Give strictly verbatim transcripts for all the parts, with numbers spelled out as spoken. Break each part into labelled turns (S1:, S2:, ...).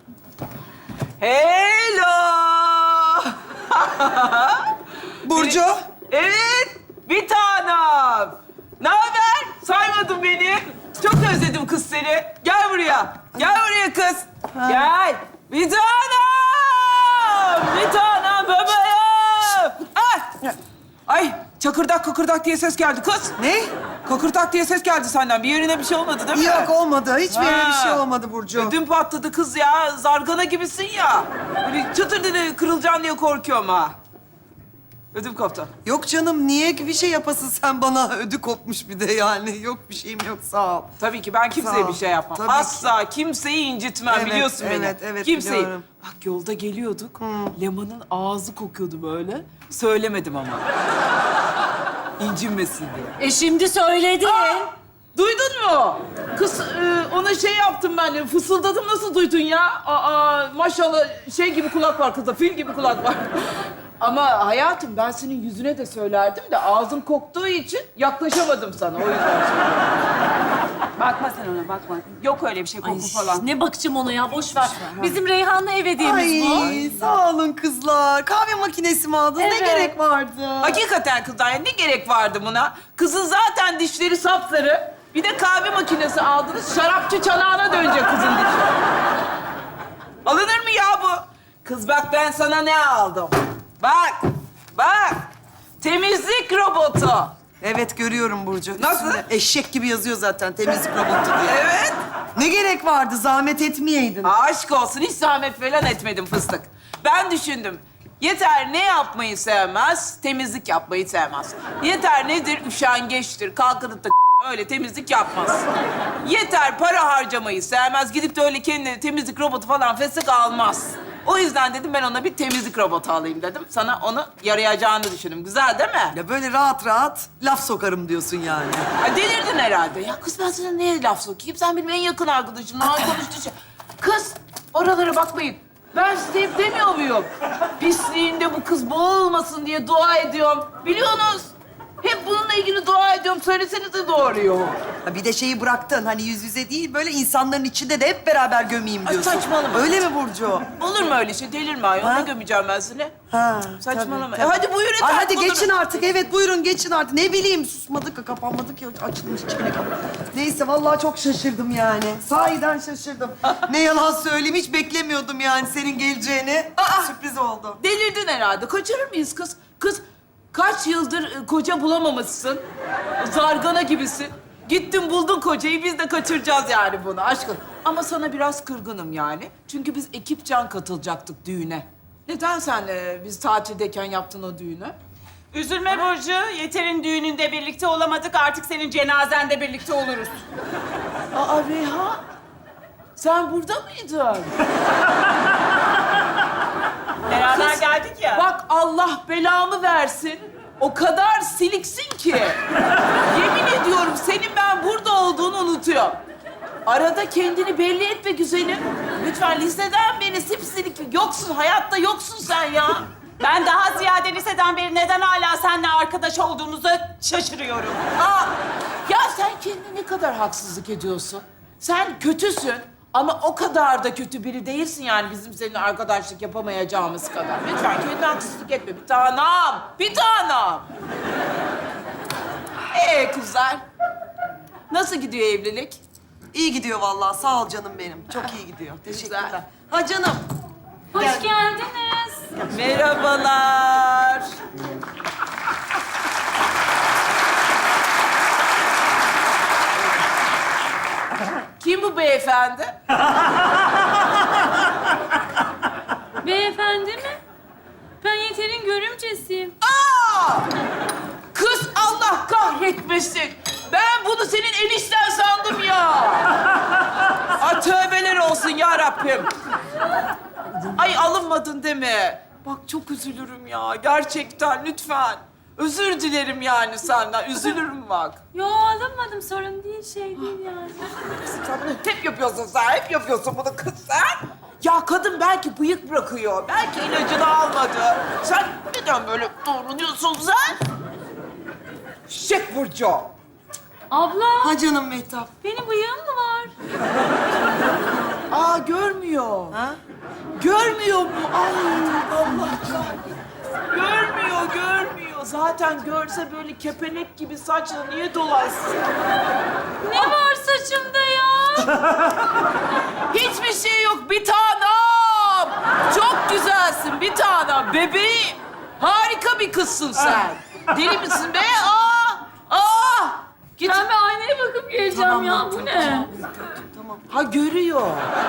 S1: Hello!
S2: Burcu.
S1: Evet, bir tanem. Ne haber? Saymadın beni. Çok özledim kız seni. Gel buraya. Gel buraya kız. Gel. Bir tanem. Bir tanem bebeğim. Ay. Ay, çakırdak kakırdak diye ses geldi kız.
S2: Ne?
S1: Kakırdak diye ses geldi senden. Bir yerine bir şey olmadı değil mi?
S2: Yok olmadı. Hiçbir yere bir
S1: Ha.
S2: şey olmadı Burcu.
S1: Ödüm patladı kız ya. Zargana gibisin ya. Böyle çıtır dedi kırılacaksın diye korkuyorum ha. Ödüm koptu.
S2: Yok canım niye bir şey yapasın sen bana? Ödü kopmuş bir de yani. Yok bir şeyim yok sağ ol.
S1: Tabii ki ben kimseye
S2: Sağ ol.
S1: bir şey yapmam.
S2: Tabii ki.
S1: Asla kimseyi incitmem
S2: Evet,
S1: biliyorsun beni.
S2: evet, evet,
S1: Kimseyi.
S2: biliyorum.
S1: Bak yolda geliyorduk. Leman'ın ağzı kokuyordu böyle. Söylemedim ama. İncinmesin diye.
S3: E şimdi söyledin.
S1: Duydun mu? Kız e, ona şey yaptım ben de, fısıldadım, nasıl duydun ya? Aa, maşallah şey gibi kulak var kızda, fil gibi kulak var. Ama hayatım ben senin yüzüne de söylerdim de ağzın koktuğu için yaklaşamadım sana, o yüzden.
S4: Bakma sen ona, bakma. Yok öyle bir şey, koku falan.
S3: Ne bakacağım ona ya, boş ver. Bizim Reyhan'la ev hediyemiz bu.
S2: Ay sağ olun kızlar. Kahve makinesi mi aldın? Ne
S3: Evet.
S2: gerek vardı?
S1: Hakikaten kızlar, ya ne gerek vardı buna? Kızın zaten dişleri sapsarı. Bir de kahve makinesi aldınız, şarapçı çanağına dönecek kızın dişi. Alınır mı ya bu? Kız bak ben sana ne aldım? Bak, bak. Temizlik robotu.
S2: Evet görüyorum Burcu.
S1: Nasıl?
S2: Üstünde eşek gibi yazıyor zaten temizlik robotu diye.
S1: Evet.
S2: Ne gerek vardı? Zahmet etmeyeydin.
S1: Aşk olsun, hiç zahmet falan etmedim fıstık. Ben düşündüm. Yeter ne yapmayı sevmez, temizlik yapmayı sevmez. Yeter nedir? Üşengeçtir, kalkınıp da öyle temizlik yapmaz. Yeter para harcamayı sevmez, gidip de öyle kendine temizlik robotu falan fesek almaz. O yüzden dedim ben ona bir temizlik robotu alayım dedim. Sana onu yarayacağını düşündüm. Güzel değil mi?
S2: Ya böyle rahat rahat laf sokarım diyorsun yani.
S1: Ay delirdin herhalde. Ya kız ben sana neye laf sokayım? Sen benim en yakın arkadaşım. Daha konuştuğu şey. Kız oralara bakmayın. Ben size hep demiyor muyum? Pisliğinde bu kız boğulmasın diye dua ediyorum. Biliyorsunuz. Hep bununla ilgili dua ediyorum. Söylesenize doğruyu.
S2: Ha bir de şeyi bıraktın hani yüz yüze değil böyle insanların içinde de hep beraber gömeyim
S1: Ay,
S2: diyorsun.
S1: saçmalama.
S2: Öyle mi Burcu?
S1: Olur mu öyle şey? Delirme ayol.
S2: Ha?
S1: Ne gömeceğim ben seni?
S2: Ha,
S1: Saçmalama.
S2: tabii,
S1: E hadi buyurun
S2: Ay,
S1: efendim.
S2: hadi
S1: buyurun.
S2: geçin artık. Evet buyurun geçin artık. Ne bileyim susmadık ya kapanmadık ya açılmış içine kapan. Neyse vallahi çok şaşırdım yani. Sahiden şaşırdım. Ne yalan söyleyeyim hiç beklemiyordum yani senin geleceğini. Aa, sürpriz oldu.
S1: Delirdin herhalde. Kaçırır mıyız kız? Kız kaç yıldır e, koca bulamamışsın. Zargana gibisin. Gittin buldun kocayı, biz de kaçıracağız yani bunu aşkım. Ama sana biraz kırgınım yani. Çünkü biz ekipcan katılacaktık düğüne. Neden sen e, biz tatildeyken yaptın o düğünü?
S4: Üzülme Burcu, Yeter'in düğününde birlikte olamadık. Artık senin cenazende birlikte oluruz.
S1: Aa Reyhan, sen burada mıydın?
S4: Beraber
S1: Kız,
S4: geldik ya.
S1: Bak Allah belamı versin. O kadar siliksin ki. Yemin ediyorum senin ben burada olduğunu unutuyorum. Arada kendini belli etme güzelim. Lütfen liseden beri sipsilik yoksun. Hayatta yoksun sen ya.
S4: Ben daha ziyade liseden beri neden hala seninle arkadaş olduğumuza şaşırıyorum.
S1: Aa, ya sen kendine ne kadar haksızlık ediyorsun. Sen kötüsün ama o kadar da kötü biri değilsin yani bizim seninle arkadaşlık yapamayacağımız kadar. Lütfen kendine haksızlık etme bir tanem, bir tanem. Ee kızlar, nasıl gidiyor evlilik?
S2: İyi gidiyor vallahi sağ ol canım benim. Çok iyi gidiyor. Teşekkürler.
S1: Güzel.
S2: Ha canım.
S3: Hoş
S2: Gel.
S3: geldiniz.
S1: Merhabalar. Kim bu beyefendi?
S3: Beyefendi mi? Ben Yeter'in görümcesiyim.
S1: Aa! Kız Allah kahretmesin. Ben bunu senin enişten sandım ya. Ay tövbeler olsun ya Rabbim. Ay alınmadın değil mi? Bak çok üzülürüm ya. Gerçekten lütfen. Özür dilerim yani senden. Üzülürüm bak.
S3: Yo alınmadım, sorun değil, şey değil yani.
S1: Sen bunu hep yapıyorsun sen. Hep yapıyorsun bunu kız sen. Ya kadın belki bıyık bırakıyor. Belki ilacını almadı. Sen neden böyle davranıyorsun sen? Şek Burcu.
S3: Abla,
S2: Ha canım Mehtap.
S3: benim bıyığım mı var?
S1: Aa görmüyor.
S2: Ha?
S1: Görmüyor mu? Ay Allah kahretsin. Görmüyor, görmüyor. Zaten görse böyle kepenek gibi saçla niye dolaşsın?
S3: Ne var saçımda ya?
S1: Hiçbir şey yok bir tanem. Çok güzelsin bir tanem. Bebeğim. Harika bir kızsın sen. Deli misin be? Aa! Aa! Git.
S3: Ben bir aynaya bakıp geleceğim
S2: Tamam,
S3: ya.
S2: tamam,
S3: Bu ne?
S1: Ha görüyor.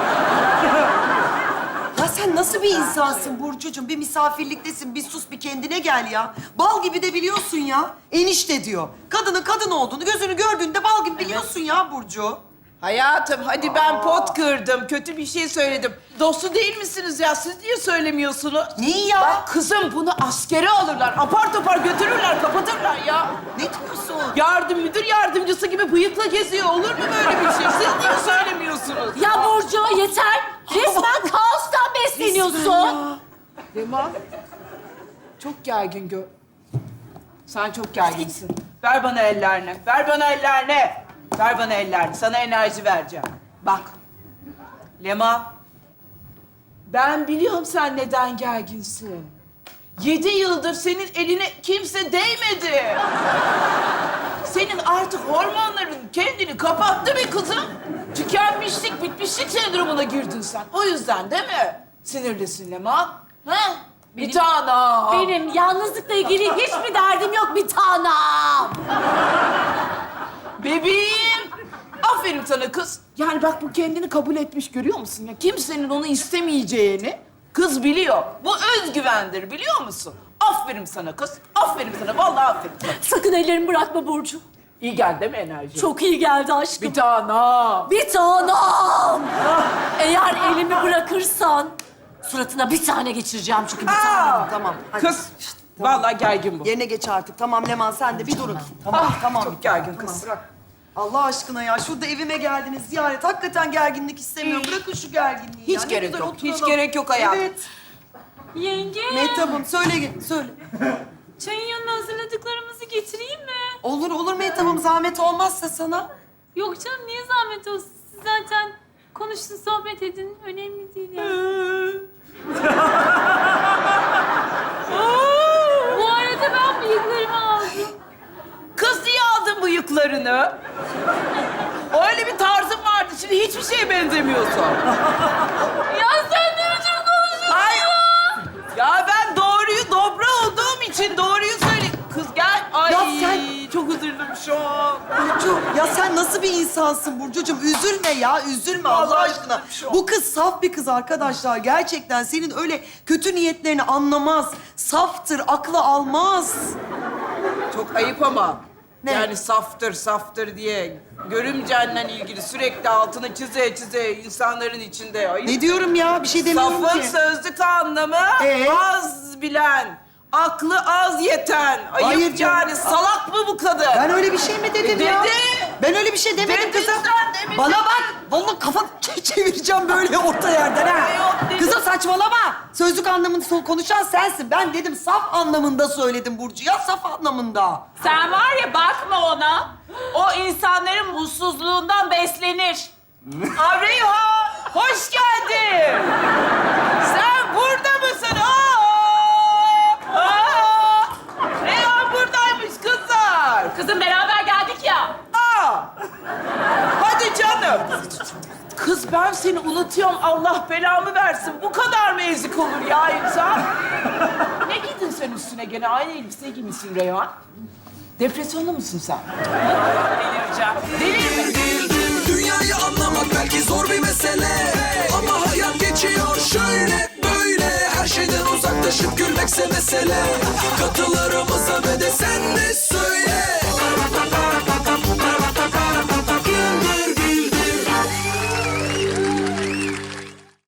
S2: Ya sen nasıl bir insansın Burcucuğum? Bir misafirliktesin, bir sus, bir kendine gel ya. Bal gibi de biliyorsun ya. Enişte diyor. Kadının kadın olduğunu gözünü gördüğünde bal gibi biliyorsun ya Burcu.
S1: Hayatım hadi ben pot kırdım. Kötü bir şey söyledim. Dostu değil misiniz ya? Siz niye söylemiyorsunuz?
S2: Neyi ya?
S1: Bak kızım bunu askere alırlar. Apar topar götürürler, kapatırlar ya.
S2: Ne diyorsun?
S1: Yardım müdür yardımcısı gibi bıyıkla geziyor. Olur mu böyle bir şey? Siz niye söylemiyorsunuz?
S3: Ya Burcu yeter. Resmen kaostan besleniyorsun.
S1: Leman, çok gergin gör. Sen çok gerginsin. Ver bana ellerini. Ver bana ellerini. Ver bana ellerini. Sana enerji vereceğim. Bak. Leman. Ben biliyorum sen neden gerginsin. Yedi yıldır senin eline kimse değmedi. Senin artık hormonların kendini kapattı be kızım. Tükenmişlik, bitmişlik sendromuna girdin sen. O yüzden değil mi? Sinirlisin Leman. Ha? Bir tanem.
S3: Benim yalnızlıkla ilgili hiçbir derdim yok bir tanem.
S1: Bebeğim. Aferin sana kız. Yani bak bu kendini kabul etmiş görüyor musun ya? Kimsenin onu istemeyeceğini kız biliyor. Bu özgüvendir biliyor musun? Aferin sana kız. Aferin sana. Vallahi aferin sana.
S3: Sakın ellerimi bırakma Burcu.
S1: İyi geldi değil mi enerji?
S3: Çok iyi geldi aşkım.
S1: Bir tanem.
S3: Bir tanem. Eğer elimi bırakırsan suratına bir tane geçireceğim çünkü bir tane.
S1: Aa!
S2: Tamam. Hadi.
S1: Kız. Vallahi gergin bu.
S2: Yerine geç artık. Tamam Leman sen de bir durun. Tamam,
S1: Ah,
S2: tamam.
S1: çok gergin
S2: Tamam,
S1: kız.
S2: bırak. Allah aşkına ya şurada evime geldiniz ziyaret. Hakikaten gerginlik istemiyorum. Bırakın şu gerginliği
S1: Hiç
S2: ya. Ne
S1: gerek
S2: güzel
S1: yok,
S2: oturalım.
S1: hiç gerek yok hayatım.
S2: Evet.
S3: Yenge,
S2: Mehtap'ım söyle ge- söyle.
S3: çayın yanına hazırladıklarımızı getireyim mi?
S2: Olur olur Mehtap'ım zahmet olmazsa sana.
S3: Yok canım niye zahmet olsun? Siz zaten konuşun, sohbet edin. Önemli değil yani. Bu arada ben bıyıklarımı aldım.
S1: Kız niye aldın bıyıklarını? Öyle bir tarzın vardı. Şimdi hiçbir şeye benzemiyorsun.
S3: Ya sen ne biçim konuşuyorsun?
S1: Ay. Ya ben doğruyu dobra olduğum için doğruyu söyle. Kız gel. Ay
S2: Ya sen-
S1: çok üzüldüm şu an.
S2: Burcu ya sen nasıl bir insansın Burcucuğum? Üzülme ya üzülme Allah
S1: Vallahi
S2: aşkına.
S1: üzüldüm şu an.
S2: Bu kız saf bir kız arkadaşlar. Gerçekten senin öyle kötü niyetlerini anlamaz. Saftır, aklı almaz.
S1: Çok ayıp ama.
S2: Ne?
S1: Yani saftır saftır diye görümcenle ilgili sürekli altını çize çize insanların içinde ayıp.
S2: Ne diyorum ya? Bir şey demiyorum
S1: Safın
S2: ki.
S1: sözlük anlamı
S2: Ee?
S1: az bilen, aklı az yeten. Ayıp
S2: Hayır canım.
S1: yani salak mı bu kadın?
S2: Ben öyle bir şey mi dedim
S1: E,
S2: ya?
S1: dedi.
S2: Ben öyle bir şey demedim
S1: Dedin
S2: kızım.
S1: sen, demedin.
S2: Bana bak. Vallahi kafa ç- çevireceğim böyle orta yerden ha.
S1: Yok, dedim.
S2: Kızım saçmalama. Sözlük anlamında sol konuşan sensin. Ben dedim saf anlamında söyledim Burcu. Ya saf anlamında.
S4: Sen var ya bakma ona. O insanların mutsuzluğundan beslenir.
S1: Reyhan, hoş geldin. Sen burada mısın? Aa! Aa! Reyhan buradaymış kızlar.
S4: Kızım beraber geldik ya.
S1: Aa! Hadi canım. Kız ben seni unutuyorum. Allah belamı versin. Bu kadar mı ezik olur ya insan? Ne giydin sen üstüne gene? Aynı elbise giymişsin Reyhan. Depresyonda mısın sen?
S4: Delireceğim.
S1: Deli mi?
S5: Dünyayı anlamak belki zor bir mesele, ama hayat geçiyor şöyle böyle. Her şeyden uzaklaşıp gülmekse mesele. Katılarımıza ve de sen de